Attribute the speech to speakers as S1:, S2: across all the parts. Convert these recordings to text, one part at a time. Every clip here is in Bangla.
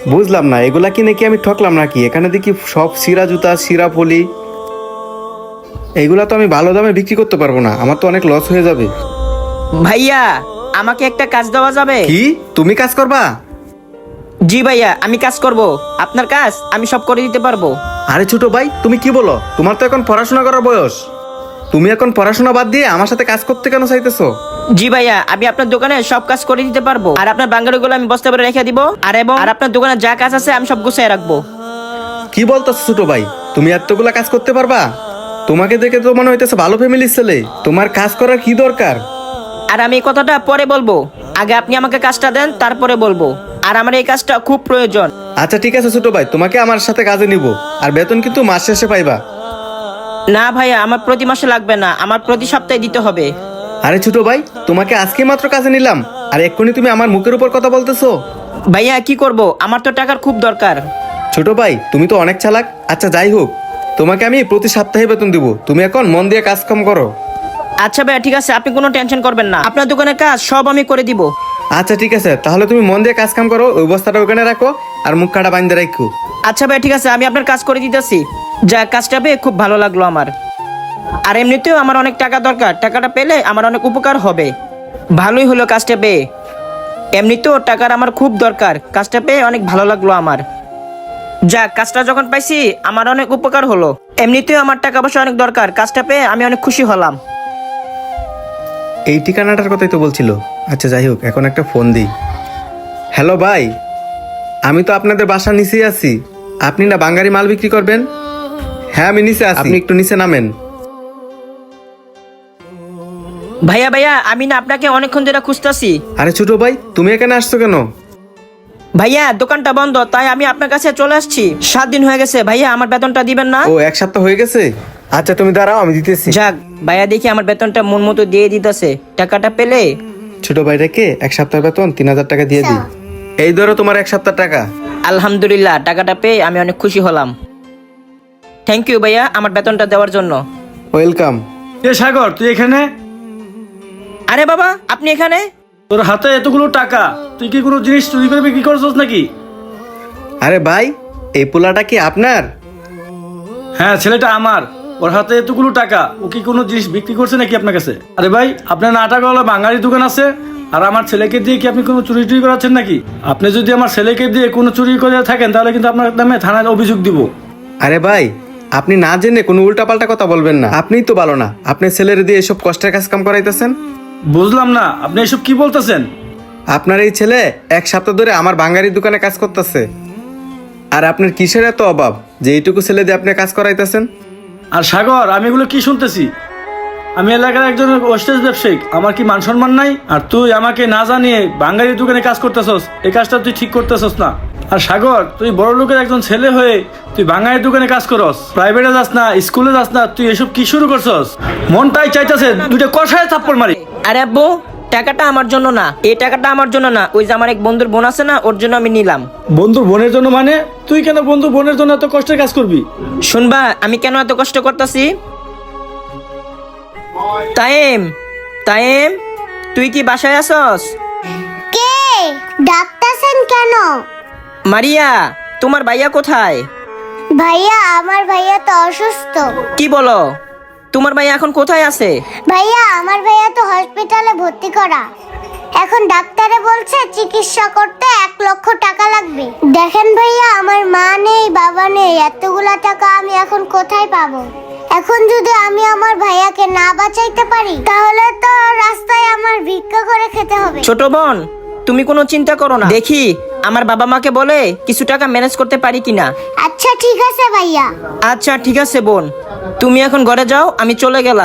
S1: বুঝলাম না, এগুলা কিনে কি আমি ঠকলাম নাকি? এখানে দেখি সব সিরা জুতা, সিরা পলি। এইগুলা তো আমি ভালো দামে বিক্রি করতে পারবো না, আমার তো অনেক লস হয়ে যাবে।
S2: ভাইয়া, আমাকে একটা কাজ দেওয়া যাবে?
S1: কি, তুমি কাজ করবা?
S2: জি ভাইয়া, আমি কাজ করব। আপনার কাজ আমি সব করে দিতে পারবো।
S1: আরে ছোট ভাই, তুমি কি বলো? তোমার তো এখন পড়াশোনা করার বয়স। তুমি এখন পড়াশোনা বাদ দিয়ে আমার সাথে কাজ করতে কেন চাইতেছো?
S2: জি ভাইয়া, আমি আপনার দোকানে সব কাজ করে দিতে পারবো। আর আপনার বাঙ্গালিগুলো আমি বস্তা করে রেখে দিব। আর আপনার দোকানে যা কাজ আছে আমি সব গুছিয়ে রাখবো।
S1: কি বলতেছো ছোট ভাই? তুমি এতগুলা কাজ করতে পারবা? তোমাকে দেখে তো মনে হইতেছে ভালো ফ্যামিলির ছেলে। তোমার কাজ করার কি দরকার?
S2: আর আমি এই কথাটা পরে বলবো, আগে আপনি আমাকে কাজটা দেন, তারপরে বলবো। আর আমার এই কাজটা খুব প্রয়োজন।
S1: আচ্ছা ঠিক আছে ছোট ভাই, তোমাকে আমার সাথে কাজে নিব। আর বেতন কিন্তু মাস শেষে পাইবা।
S2: না ভাইয়া, আমার প্রতি মাসে লাগবে না, আমার প্রতি সপ্তাহে দিতে হবে।
S1: আরে ছোট ভাই, তোমাকে আজকে মাত্র কাজে নিলাম, আর এক্ষুনি তুমি আমার মুখের উপর কথা বলতেছো?
S2: ভাইয়া কি করব, আমার তো টাকার খুব দরকার।
S1: ছোট ভাই, তুমি তো অনেক চালাক। আচ্ছা যাই হোক, তোমাকে আমি প্রতি সপ্তাহে বেতন দিব। তুমি এখন মন দিয়ে কাজ কাম করো।
S2: আচ্ছা ভাইয়া ঠিক আছে, আপনি কোনো টেনশন করবেন না, আপনার দোকানের কাজ সব আমি করে দিব।
S1: আচ্ছা ঠিক আছে, তাহলে তুমি মন দিয়ে কাজ কাম করো। ওই বস্তাটা ওখানে রাখো আর মুখ কাটা বাইন্ধে রাখো।
S2: আচ্ছা ভাইয়া ঠিক আছে, আমি আপনার কাজ করে দিতেছি। যা, কাজটা পেয়ে খুব ভালো লাগলো আমার। আর এমনিতেও আমার অনেক টাকা দরকার, টাকাটা পেলে আমার অনেক উপকার হবে। ভালোই হলো কাজটা পেয়ে। এমনিতেও টাকার আমার খুব দরকার, কাজটা পেয়ে অনেক ভালো লাগলো আমার। যাক, কাজটা যখন পাইছি আমার অনেক উপকার হলো। এমনিতেও আমার টাকা পয়সা অনেক দরকার, কাজটা পেয়ে আমি অনেক খুশি হলাম।
S1: এই ঠিকানাটার কথাই তো বলছিল। আচ্ছা যাই হোক, এখন একটা ফোন দিই। হ্যালো ভাই, আমি তো আপনাদের বাসার নিচেই আছি। আপনি না বাঙালি মাল বিক্রি করবেন? হ্যাঁ আমি নিচে আছি, আপনি একটু নিচে নামেন।
S2: ভাইয়া ভাইয়া, আমি না আপনাকে অনেকক্ষণ ধরে খুঁজতেছি।
S1: আরে ছোট ভাই, তুমি এখানে আসছো কেন?
S2: ভাইয়া দোকানটা বন্ধ, তাই আমি আপনার কাছে চলে আসছি। 7 দিন হয়ে গেছে ভাইয়া, আমার বেতনটা দিবেন না?
S1: ও, এক সপ্তাহ হয়ে গেছে? আচ্ছা তুমি দাঁড়াও, আমি দিতেছি।
S2: যাক ভাইয়া, দেখি আমার বেতনটা মন মতো দিয়ে দিতেছে। টাকাটা পেলে
S1: ছোট ভাইটাকে এক সপ্তাহ বেতন 3000 টাকা দিয়ে দিই। এই ধরো তোমার এক সপ্তাহ টাকা।
S2: আলহামদুলিল্লাহ, টাকাটা পেয়ে আমি অনেক খুশি হলাম। থ্যাংক ইউ ভাইয়া আমার বেতনটা দেওয়ার জন্য।
S1: ওয়েলকাম।
S3: এ সাগর, তুই এখানে?
S2: আরে বাবা, আপনি এখানে?
S3: তোর হাতে এতগুলো টাকা, তুই কি কোনো জিনিস চুরি করে বিক্রি করছিস নাকি?
S1: আরে ভাই, এই পোলাটা কি আপনার?
S3: হ্যাঁ, ছেলেটা আমার। ওর হাতে এতগুলো টাকা, ও কি কোনো জিনিস বিক্রি করছে নাকি আপনার কাছে? আরে ভাই, আপনার না টাকাওয়ালা বাঙালি দোকান আছে, আর আমার ছেলেকে দিয়ে কি আপনি কোনো চুরি টুরি করাচ্ছেন নাকি? আপনি যদি আমার ছেলেকে দিয়ে কোনো চুরি করে থাকেন, তাহলে কিন্তু আপনার নামে থানায় অভিযোগ দিব।
S1: আরে ভাই, আপনি না জেনে কোনো উল্টাপাল্টা কথা বলবেন না। আপনিই তো ভালো না, আপনি ছেলের দিয়ে এসব কষ্টের কাজ কাম করাইতেছেন।
S3: বুঝলাম না, আপনি এসব কি বলতেছেন?
S1: আপনার এই ছেলে এক সপ্তাহ ধরে আমার বাঙালির দোকানে কাজ করতেছে। আর আপনার কিসের এত অভাব যে এইটুকু ছেলে দিয়ে আপনি কাজ করাইতেছেন?
S3: আর সাগর, আমি এগুলো কি শুনতেছি? আমি এলাকার একজন ওস্টেজ ব্যবসায়িক, আমার কি মান সম্মান নাই? আর তুই আমাকে না জানিয়ে বাঙালির দোকানে কাজ করতেছস, এই কাজটা তুই ঠিক করতেছস না। আর সাগর, তুই বড় লোকের একজন ছেলে হয়ে তুই বাঙালির দোকানে কাজ করস, প্রাইভেটে যাস না, স্কুলে যাস না, তুই এসব কি শুরু করছস? মনটাই চাইতেছে দুইটা কষায় থাপ্পড় মারি।
S2: আরে আব্বু, টাকাটা আমার জন্য না, এই টাকাটা আমার জন্য না, ওই যে আমার এক বন্ধুর বোন আছে না, ওর জন্য আমি নিলাম।
S3: বন্ধুর বোনের জন্য মানে? তুই কেন বন্ধুর বোনের জন্য এত কষ্টের কাজ করবি?
S2: শুনবা আমি কেন এত কষ্ট করতেছি? তাইম, তাইম, তুই কি বাসায় আছস?
S4: কে ডাকতেছেন কেন?
S2: মারিয়া, তোমার ভাইয়া কোথায়?
S4: ভাইয়া, আমার ভাইয়া তো অসুস্থ।
S2: কি বলো? তোমার ভাইয়া এখন কোথায় আছে?
S4: ভাইয়া, আমার ভাইয়া তো হসপিটালে ভর্তি করা। এখন ডাক্তারে বলছে চিকিৎসা করতে 1 লক্ষ টাকা লাগবে। দেখেন ভাইয়া, আমার মা নেই, বাবা নেই, এতগুলা টাকা আমি এখন কোথায় পাবো? এখন যদি আমি আমার ভাইয়াকে না বাঁচাইতে পারি, তাহলে তো রাস্তায় আমার ভিক্ষা করে খেতে হবে।
S2: ছোট বোন, তুমি কোনো চিন্তা করো না, দেখি আমার বাবা মাকে বলে কিছু টাকা ম্যানেজ করতে পারি কিনা।
S4: আচ্ছা ঠিক আছে ভাইয়া।
S2: আচ্ছা ঠিক আছে বোন, তুমি এখন ঘরে যাও, আমি চলে গেলাম।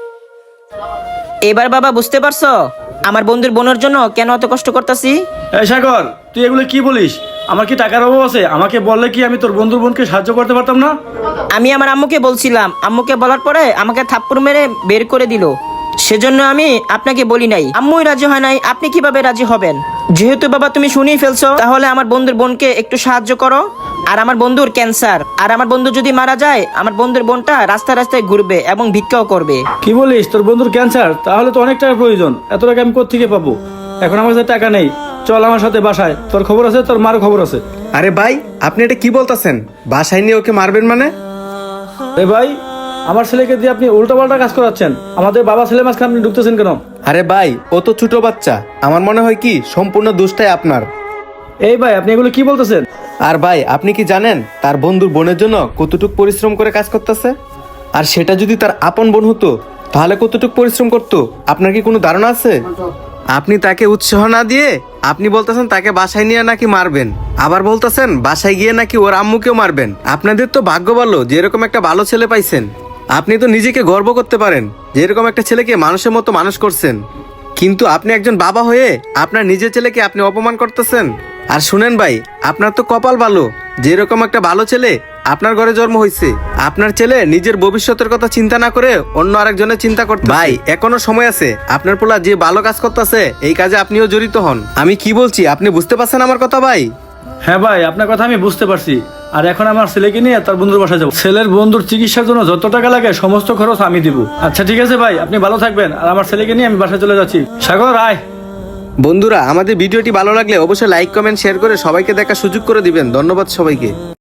S2: এবার বাবা বুঝতে পারছো আমার বন্ধুর বোনের জন্য কেন এত কষ্ট করতেছি?
S3: এই সাগর, তুই এগুলো কি বলিস? আমার কি টাকার অভাব আছে? আমাকে বললে কি আমি তোর বন্ধুর বোনকে সাহায্য করতে পারতাম না?
S2: আমি আমার আম্মুকে বলছিলাম, আম্মুকে বলার পরে আমাকে থাপ্পড় মেরে বের করে দিল। সেজন্য আমি আপনাকে বলি নাই। আম্মুই রাজি হয় নাই, আপনি কিভাবে রাজি হবেন? যেহেতু বাবা তুমি শুনেই ফেলছো, তাহলে আমার বন্ধুর বোনকে একটু সাহায্য করো। আর আমার বন্ধুর ক্যান্সার, আর আমার বন্ধু যদি মারা যায়, আমার বন্ধুর বোনটা রাস্তায় রাস্তায় ঘুরবে এবং ভিক্ষাও করবে।
S3: কি বলিস? তোর বন্ধুর ক্যান্সার? তাহলে তো অনেক টাকার প্রয়োজন। এত টাকা আমি কোত্থেকে পাবো? এখন আমার কাছে টাকা নেই। চল আমার সাথে বাসায়, তোর খবর আছে, তোর মার খবর আছে।
S1: আরে ভাই, আপনি এটা কি বলতেছেন? বাসায় নিয়ে ওকে মারবেন মানে?
S3: এ ভাই, আমার ছেলেকে দিয়ে আপনি উল্টাপাল্টা কাজ করাচ্ছেন। আমাদের বাবা ছেলে মাঝখানে আপনি ঢুকতেছেন কেন?
S1: আরে ভাই, ও তো ছোট বাচ্চা। আমার মনে হয় কি সম্পূর্ণ দোষটাই আপনার।
S3: এই ভাই, আপনি এগুলো কি বলতেছেন?
S1: আর ভাই, আপনি কি জানেন তার বন্ধুর বোনের জন্য কতটুক পরিশ্রম করে কাজ করতেছে? আর সেটা যদি তার আপন বোন হতো তাহলে কতটুক পরিশ্রম করতো আপনার কি কোনো ধারণা আছে? আপনি তাকে উৎসাহ না দিয়ে আপনি বলতেছেন তাকে বাসায় নিয়ে নাকি মারবেন, আবার বলতেছেন বাসায় গিয়ে নাকি ওর আম্মুকেও মারবেন। আপনাদের তো ভাগ্য ভালো যে এরকম একটা ভালো ছেলে পাইছেন। আপনি তো নিজেকে গর্ব করতে পারেন যে এরকম একটা ছেলেকে মানুষের মতো মানুষ করছেন। কিন্তু আপনি একজন বাবা হয়ে আপনার নিজের ছেলেকে আপনি অপমান করতেছেন। আর শুনেন ভাই, আপনার তো কপাল ভালো যে এরকম একটা ভালো ছেলে আপনার ঘরে জন্ম হয়েছে। আপনার ছেলে নিজের ভবিষ্যতের কথা চিন্তা না করে অন্য আরেকজনের চিন্তা করতে। ভাই, এখনো সময় আছে। আপনার পোলা যে ভালো কাজ করতেছে এই কাজে আপনিও জড়িত হন। আমি কি বলছি আপনি বুঝতে পারছেন আমার কথা ভাই?
S3: হ্যাঁ ভাই, আপনার কথা আমি বুঝতে পারছি। আর এখন আমার ছেলেকে নিয়ে তার বন্ধুর বাসায় যাবো। ছেলের বন্ধুর চিকিৎসার জন্য যত টাকা লাগে সমস্ত খরচ আমি দিব। আচ্ছা ঠিক আছে ভাই, আপনি ভালো থাকবেন। আর আমার ছেলেকে নিয়ে আমি বাসায় চলে যাচ্ছি। সাগর আয়।
S1: বন্ধুরা, আমাদের ভিডিওটি ভালো লাগলে অবশ্যই লাইক কমেন্ট শেয়ার করে সবাইকে দেখার সুযোগ করে দিবেন। ধন্যবাদ সবাইকে।